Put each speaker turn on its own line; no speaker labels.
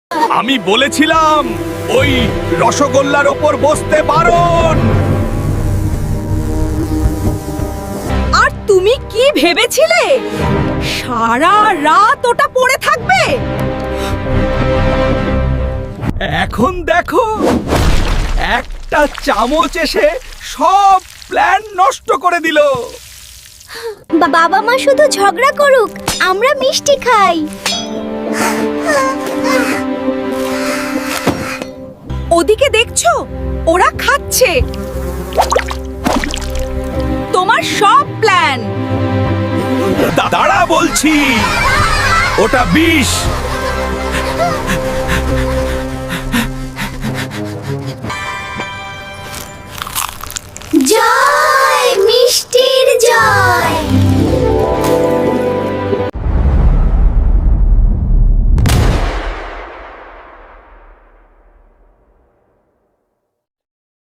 আমি বলেছিলাম ওই রসগোল্লার ওপর বসতে বারণ।
আর তুমি কি ভেবেছিলে সারা রাত ওটা পড়ে থাকবে?
এখন দেখো, একটা চামচ এসে সব প্ল্যান নষ্ট করে দিল।
বাবা মা শুধু ঝগড়া করুক, আমরা মিষ্টি খাই।
ওদিকে দেখছো, ওরা খাচ্ছে তোমার সব প্ল্যান।
দাঁড়া বলছি, ওটা বিষ।